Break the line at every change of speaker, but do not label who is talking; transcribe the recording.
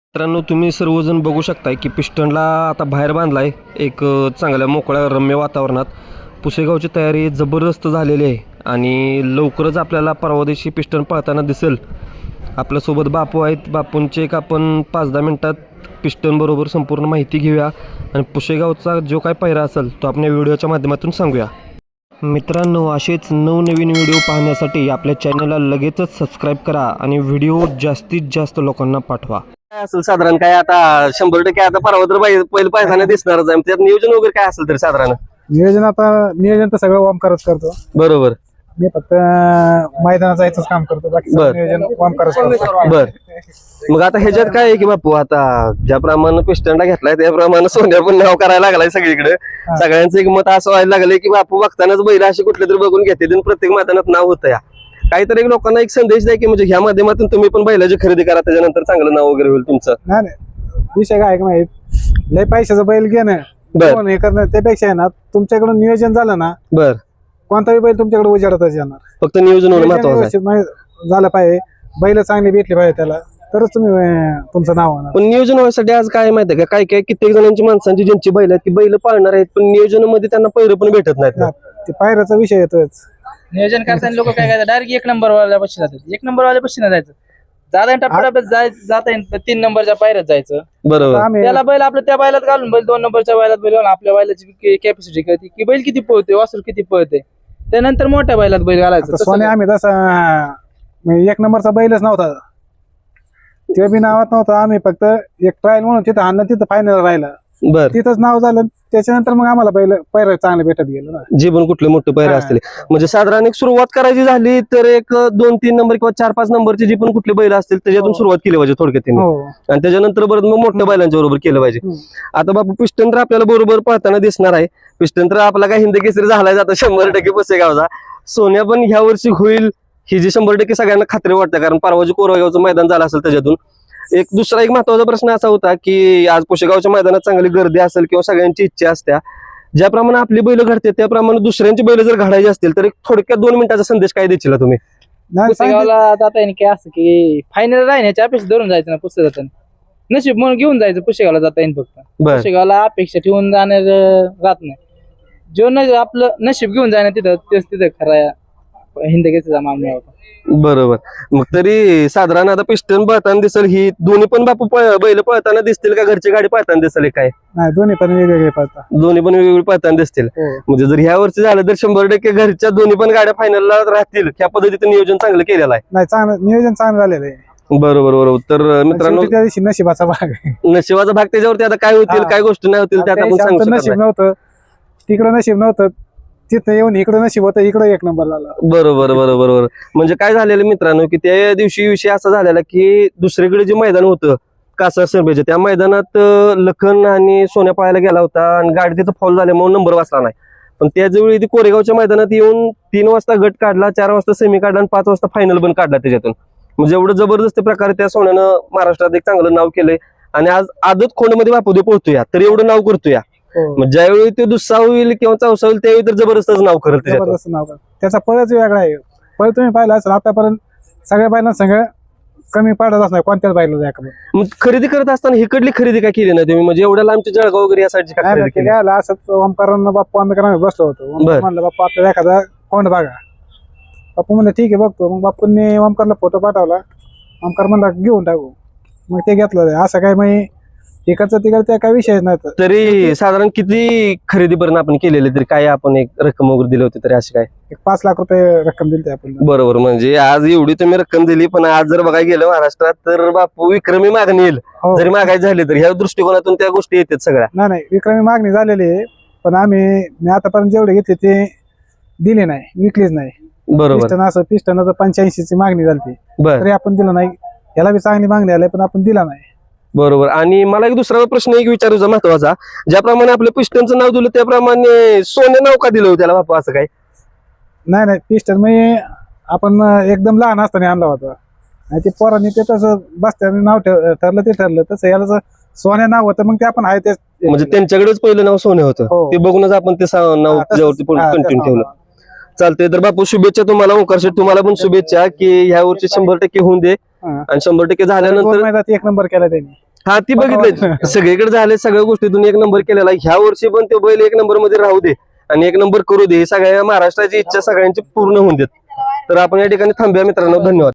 मित्रांनो, तुम्ही सर्वजण बघू शकताय की पिस्टनला आता बाहेर बांधलाय एक चांगल्या मोकळ्या रम्य वातावरणात. पुसेगावची तयारी जबरदस्त झालेली आहे आणि लवकरच आपल्याला परवा दिवशी पिस्टन पळताना दिसेल. आपल्यासोबत बापू आहेत. बापूंचे एक आपण 5-10 मिनटात पिस्टनबरोबर संपूर्ण माहिती घेऊया आणि पुसेगावचा जो काय पायरा असेल तो आपण या व्हिडिओच्या माध्यमातून सांगूया. मित्रांनो, असेच नवनवीन व्हिडिओ पाहण्यासाठी आपल्या चॅनलला लगेचच सबस्क्राईब करा आणि व्हिडिओ जास्तीत जास्त लोकांना पाठवा.
काय असेल साधारण काय आता 100% आता परवा तर पहिलं पायथाना दिसणारच आहे. त्यात नियोजन वगैरे काय असेल तरी साधारण
नियोजन तर सगळं ओमकारच करतो.
बरोबर.
मी फक्त मैदानात जायचंच काम करतो. बाकी
बर.
नियोजन ओमकारच करतो.
बर. मग आता ह्याच्यात काय आहे की बापू, आता ज्याप्रमाणे पिस्टनला घेतलाय त्याप्रमाणे सोन्या पण नाव करायला लागलाय सगळीकडे. सगळ्यांचं एक मत असं व्हायला लागलंय की बापू बघतानाच बैल असे कुठले तरी बघून घेते प्रत्येक मैदानात नाव होतं. या काहीतरी लोकांना एक संदेश द्या की म्हणजे ह्या माध्यमातून तुम्ही पण बैलाची खरेदी करा, त्याच्यानंतर चांगलं नाव वगैरे होईल तुमचं.
नाही विषय काय का माहित, लय पैशाचं बैल घेणं
बर.
हे करणं त्यापेक्षा आहे ना, तुमच्याकडून नियोजन झालं ना,
बर.
कोणताही बैल तुमच्याकडे उजाडतच येणार.
फक्त नियोजन होणं
नियोजन
महत्वाचं आहे.
व्यवस्थित झालं पाहिजे, बैल चांगली भेटली पाहिजे त्याला, तरच तुम्ही तुमचं नाव होणार.
पण नियोजन व्हायसाठी आज काय माहितीये का, काय काय कित्येक जणांची माणसांची ज्यांची बैल आहेत ती बैल पाळणार आहेत, पण नियोजनामध्ये त्यांना पैर पण भेटत नाहीत ना.
ते पायऱ्याचा विषय येतोच.
नियोजन करताना लोक काय करतात, डायरेक्ट 1 नंबर वाल्या बशी जातात. 1 नंबर वाल्या बशी नाही जायचं, जाता येईल 3 नंबरच्या पायऱ्यात जायचं.
बरोबर.
आम्ही
त्याला बैल आपल्या त्या बैलात घालून बैल 2 नंबरच्या बैलात बैल घालून आपल्या बैलाची कॅपॅसिटी कळते की बैल किती पळते, वासरू किती पळते. त्यानंतर मोठ्या बैलात बैल घालायचं.
आता सोने आम्ही तसा 1 नंबरचा बैलच नव्हता, ते बी नावात नव्हतं. आम्ही फक्त एक ट्रायल म्हणून तिथं आणलं, तिथं फायनल राहिलं,
बर.
तिथंच नाव झालं. त्याच्यानंतर मग आम्हाला पैर चांगले भेटत गेलं ना.
जे पण कुठले मोठे पैरे
हा.
असतील म्हणजे साधारण एक सुरुवात करायची झाली तर एक 2-3 नंबर किंवा 4-5 नंबरचे जे पण कुठले बैल असतील त्याच्यातून
हो.
सुरुवात केली पाहिजे थोडक्यात त्यांनी.
हो.
आणि त्याच्यानंतर परत मग मोठ्या बैलांच्या बरोबर केलं पाहिजे. आता बापू पिस्टन तर आपल्याला बरोबर पळताना दिसणार आहे. पिस्टन तर आपला काय हिंद केसरी झालाय जाता 100% पुसेगावचा. सोन्या पण ह्या वर्षी होईल ही जी 100% सगळ्यांना खात्री वाटते, कारण परवाजी कोरेगावचं मैदान झालं असेल त्याच्यातून. एक दुसरा एक महत्वाचा प्रश्न असा होता की आज पुसेगावच्या मैदानात चांगली गर्दी असेल किंवा सगळ्यांची इच्छा असत्या, ज्याप्रमाणे आपली बैल घडते त्याप्रमाणे दुसऱ्यांची बैल जर घडायची असतील तर एक थोडक्यात 2 मिनिटाचा संदेश काय देशील तुम्ही?
नाही,
पुसेगावला जाता येईल की असं की फायनल राहण्याची अपेक्षा धरून जायचं ना. पुस्तकात नशीब म्हणून घेऊन जायचं. पुसेगावला जाता येईल फक्त.
बर.
पुसेगावला अपेक्षा ठेवून जाणार राहत नाही. जो आपलं नशीब घेऊन जाणार तिथं तेच तिथं खरा हिंद केसरीचा मान मिळवतो.
बरोबर. मग तरी साधारण आता पिस्टन पळताना दिसेल, ही दोन्ही पण बापू बैल पळताना दिसतील का घरची गाडी पळताना दिसेल काय?
नाही, दोन्ही पण वेगवेगळे पळतात.
दोन्ही पण वेगवेगळी पळताना दिसतील.
हो.
म्हणजे जर ह्या वर्षी झालं तर 100% घरच्या दोन्ही पण गाड्या फायनलला राहतील. ह्या पद्धतीचं नियोजन चांगलं केलेलं आहे.
नाही, चांगलं नियोजन चांगलं झालेलं आहे.
बरोबर बरोबर. तर मित्रांनो,
शेवटी त्या दिवशी नशिबाचा भाग आहे.
नशिबाचा भाग त्याच्यावरती आता काय होतील
हा.
काय गोष्टी नाही होतील त्यात आपण
त्यावेळी
सांगू
आमचं
शकत
नशीब
नाही.
नव्हतं, तिकडं नशीब नव्हतं, तिथं येऊन इकडं नशीब होतं, इकडं 1 नंबर झाला.
बरोबर बरोबर बरोबर. म्हणजे काय झालेलं मित्रांनो की त्या दिवशी विषय असा झालेला की दुसरीकडे जे मैदान होतं कासार सरबेचं, त्या मैदानात लखन आणि सोन्या पळायला गेला होता आणि गाडी तिथं फॉल झाल्यामुळे नंबर वाचला नाही. पण त्याचवेळी ती कोरेगावच्या मैदानात येऊन 3 वाजता गट काढला, 4 वाजता सेमी काढला आणि 5 वाजता फायनल पण काढला त्याच्यातून. म्हणजे एवढं जबरदस्त प्रकारे त्या सोन्यानं महाराष्ट्रात एक चांगलं नाव केलंय आणि आज आदत खोंडमध्ये बापूदे पोहतोय तर एवढं नाव करतोय.
हो.
मग ज्यावेळी ते दुस्सा होईल किंवा चौसा होईल त्यावेळी तर जबरदस्तच नाव करेल त्याच्यातून.
जबरदस्त नाव आहे. त्याचा पळच वेगळा आहे. पळ तुम्ही पाहिला असेल आतापर्यंत सगळ्या बैलांना सगळं कमी पडतच नाही कोणत्याच बैला.
मग खरेदी करत असताना इकडली खरेदी काय केली ना तुम्ही, म्हणजे एवढ्या लांबची जळगाव वगैरे या साईडची काय खरेदी केली?
काय असंच ओमकारांना बाप्पू आम्ही बसलो होतो.
बर.
म्हणलं बाप्पा आपल्याला एखादा कोंड बघा. बाप्पू म्हणलं ठीक आहे बघतो. मग बाप्पूंनी ओमकारला फोटो पाठवला. ओमकार म्हणला घेऊन टाकू. मग ते घेतलं. असं काय मग इकडचं तिकडचं काय विषय नाही.
तरी साधारण किती खरेदीपर्यंत आपण केलेले तरी काय आपण एक रक्कम वगैरे दिली होती तरी अशी काय?
5 लाख रुपये रक्कम दिली आपण.
बरोबर. म्हणजे आज एवढी तुम्ही रक्कम दिली, पण आज जर बघायला गेलं महाराष्ट्रात तर बापू विक्रमी मागणी येईल.
हो.
जरी मागायची झाली तर ह्या दृष्टिकोनातून त्या गोष्टी येतात सगळ्या.
नाही विक्रमी मागणी झालेली आहे, पण मी आतापर्यंत जेवढे घेतले ते दिले नाही, विकलीच नाही.
बरोबर.
पिस्टन 85 ची मागणी झाली
बर.
तरी आपण दिलं नाही. याला बी चांगली मागणी आली पण आपण दिला नाही.
बरोबर. आणि मला एक दुसरा प्रश्न एक विचारूचा महत्वाचा, ज्याप्रमाणे आपल्या पिस्टनचं नाव दिलं त्याप्रमाणे सोने नाव का दिलं होतं त्याला बापू असं काय?
नाही पिस्टन मी आपण एकदम लहान असताना आणला होता आणि ते पोरांनी ते तसं बसत्याने नाव ठरलं ते ठरलं तसं याला सोन्या नाव होतं. मग ते आपण आहे ते
म्हणजे त्यांच्याकडेच पहिलं नाव सोने होतं.
हो.
ते बघूनच आपण ते नाव
हा,
त्याच्यावरती
हा,
कंटिन्यू
तसं.
ठेवलं. चालतंय. तर बापू शुभेच्छा तुम्हाला. ओंकार शेठ तुम्हाला पण शुभेच्छा की ह्या वर्षी 100% होऊन दे
हा.
आणि 100%
दोन
झाल्यानंतर
मैदानात 1 नंबर केला त्यांनी.
हा ती बघितलंय सगळीकडे झाले सगळ्या गोष्टीतून एक नंबर केलेला आहे. ह्या वर्षी पण तो बैल एक नंबर मध्ये राहू दे आणि एक नंबर करू दे, ही सगळ्या महाराष्ट्राची इच्छा सगळ्यांची पूर्ण होऊन देत. तर आपण या ठिकाणी थांबूया मित्रांनो, धन्यवाद.